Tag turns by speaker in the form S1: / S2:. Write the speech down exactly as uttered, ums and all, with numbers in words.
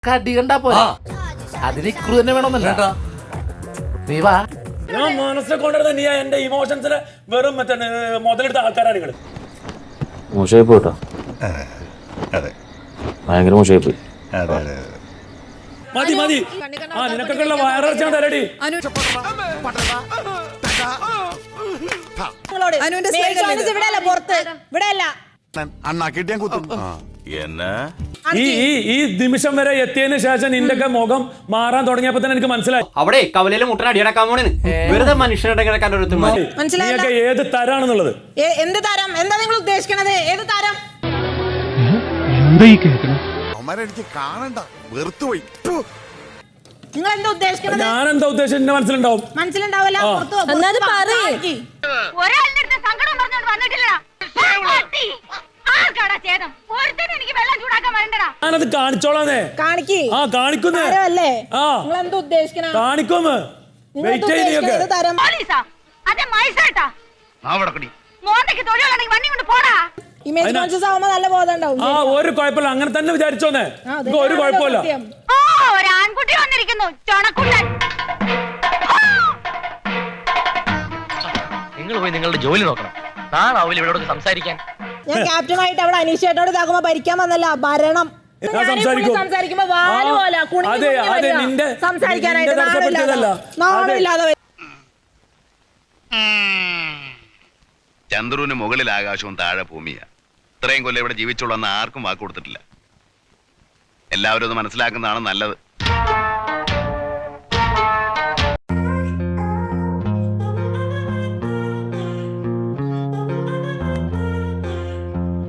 S1: കടി കണ്ടാ പോരാ, അതിന് ഇക്രു തന്നെ വേണമെന്നല്ല. നീ വാ.
S2: ഞാൻ മനസ്സിനെ കൊണ്ടിരുന്ന നീ എന്റെ ഇമോഷൻസിന് വെറും മറ്റേ മുതലെടുത്ത ആൾക്കാരാണ് നിങ്ങള്.
S3: മോശമായി പോയിട്ടോ, ഭയങ്കര മോശമായി പോയി.
S2: മതി മതി, ആ നിനക്കൊക്കെ ഉള്ള വയറിറച്ചാൻ തരടി. ഈ ഈ ഈ നിമിഷം വരെ എത്തിയതിനു ശേഷം നിന്റെ മുഖം മാറാൻ തുടങ്ങിയപ്പോ തന്നെ എനിക്ക് മനസ്സിലായി
S4: അവിടെ കവലയിലെ മുട്ടൻ അടിയടക്കാൻ പോണേന്ന്. വെറുതെ മനുഷ്യരുടെ കിടക്കാൻ ഒരു
S2: നീയൊക്കെ ഏത് തരാണെന്നുള്ളത്.
S5: എന്ത് തരം? എന്താ നിങ്ങൾ ഉദ്ദേശിക്കണത്? ഏത് തരം?
S6: കാണണ്ട, വെറുത്തുപോയി.
S5: നിങ്ങൾ എന്താ ഉദ്ദേശിക്കുന്നത്?
S2: ഞാൻ എന്താ ഉദ്ദേശം എന്റെ മനസ്സിലുണ്ടാവും.
S5: മനസ്സിലുണ്ടാവില്ല.
S2: ഞാനത് കാണിച്ചോളാന്നേ. ആ കാണിക്കുന്നേ. ആ കാണിക്കുമോ? വെയിറ്റ് ചെയ്യൊക്കെ. ആ ഒരു കുഴപ്പമില്ല, അങ്ങനെ തന്നെ വിചാരിച്ചോന്നേ. ഒരു കുഴപ്പമില്ല.
S7: ആൺകുട്ടി വന്നിരിക്കുന്നു, ചൊണക്കുട്ടൻ.
S4: നിങ്ങൾ പോയി നിങ്ങളുടെ ജോലി നോക്കണം. നാളാവില്ല ഇവിടെ സംസാരിക്കാൻ.
S5: ഞാൻ ക്യാപ്റ്റനായിട്ട് അവിടെ അനീഷേട്ടോട് ഇതാക്കുമ്പോ ഭരിക്കാൻ വന്നല്ല, ഭരണം. സംസാരിക്കുമ്പോ
S6: ചന്ദ്രന് മുകളിൽ ആകാശവും താഴെ ഭൂമിയാ. ഇത്രയും കൊല്ലം ഇവിടെ ജീവിച്ചോളന്ന് ആർക്കും വാക്ക് കൊടുത്തിട്ടില്ല. എല്ലാവരും അത് മനസ്സിലാക്കുന്നതാണ് നല്ലത്.